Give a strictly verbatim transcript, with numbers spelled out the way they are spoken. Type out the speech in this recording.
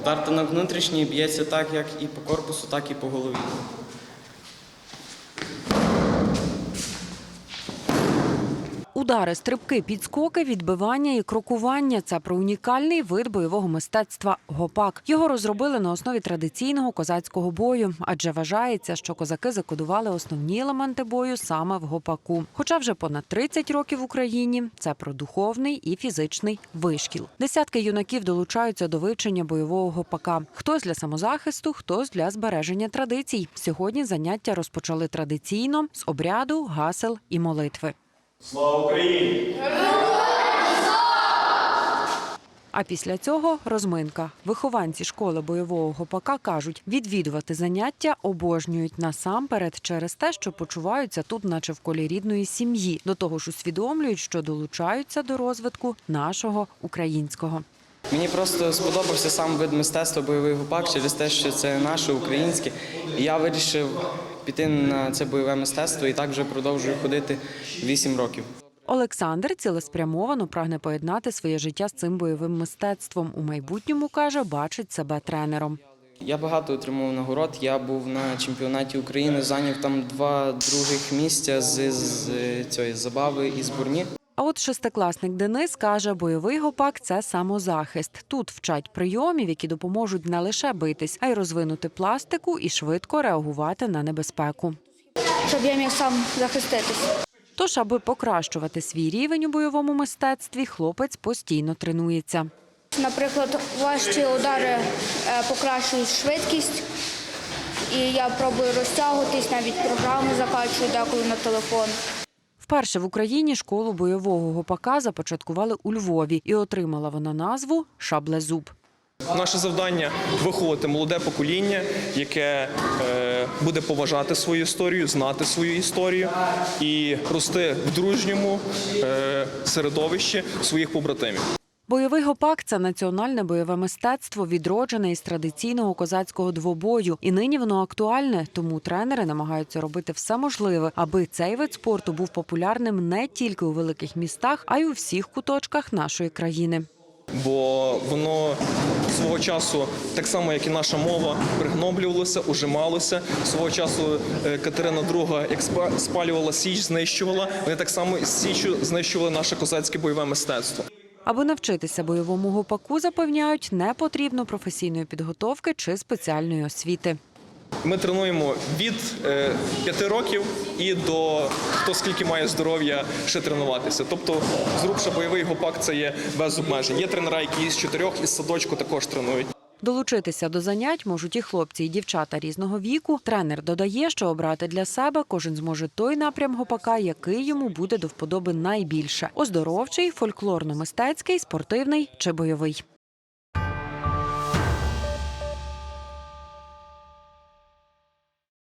Тартанок внутрішній б'ється так, як і по корпусу, так і по голові. Удари, стрибки, підскоки, відбивання і крокування – це про унікальний вид бойового мистецтва – гопак. Його розробили на основі традиційного козацького бою, адже вважається, що козаки закодували основні елементи бою саме в гопаку. Хоча вже понад тридцять років в Україні – це про духовний і фізичний вишкіл. Десятки юнаків долучаються до вивчення бойового гопака. Хтось для самозахисту, хтось для збереження традицій. Сьогодні заняття розпочали традиційно – з обряду, гасел і молитви. Слава Україні! А після цього – розминка. Вихованці школи бойового гопака кажуть, відвідувати заняття обожнюють насамперед через те, що почуваються тут наче в колі рідної сім'ї. До того ж усвідомлюють, що долучаються до розвитку нашого українського. Мені просто сподобався сам вид мистецтва бойовий гопак через те, що це наше українське. І я вирішив піти на це бойове мистецтво і так вже продовжую ходити вісім років. Олександр цілеспрямовано прагне поєднати своє життя з цим бойовим мистецтвом. У майбутньому, каже, бачить себе тренером. Я багато отримав нагород. Я був на чемпіонаті України, зайняв там два других місця з, з цієї забави і зборні. А от шестикласник Денис каже, бойовий гопак – це самозахист. Тут вчать прийомів, які допоможуть не лише битись, а й розвинути пластику і швидко реагувати на небезпеку. Щоб я міг сам захиститись. Тож, аби покращувати свій рівень у бойовому мистецтві, хлопець постійно тренується. Наприклад, важчі удари покращують швидкість, і я пробую розтягуватись, навіть програми закачую деколи на телефон. Вперше в Україні школу бойового гопака започаткували у Львові, і отримала вона назву «Шаблезуб». Наше завдання – виховати молоде покоління, яке е, буде поважати свою історію, знати свою історію і рости в дружньому е, середовищі своїх побратимів. Бойовий гопак – це національне бойове мистецтво, відроджене із традиційного козацького двобою. І нині воно актуальне, тому тренери намагаються робити все можливе, аби цей вид спорту був популярним не тільки у великих містах, а й у всіх куточках нашої країни. Бо воно свого часу, так само як і наша мова, пригноблювалося, ужималося. Свого часу Катерина друга, як спалювала Січ, знищувала, вони так само із Січчю знищували наше козацьке бойове мистецтво. Аби навчитися бойовому гопаку, запевняють, не потрібно професійної підготовки чи спеціальної освіти. Ми тренуємо від п'яти років і до хто скільки має здоров'я ще тренуватися. Тобто, зрубша бойовий гопак – це є без обмежень. Є тренера, які з чотирьох, із садочку також тренують. Долучитися до занять можуть і хлопці, і дівчата різного віку. Тренер додає, що обрати для себе кожен зможе той напрям гопака, який йому буде до вподоби найбільше – оздоровчий, фольклорно-мистецький, спортивний чи бойовий.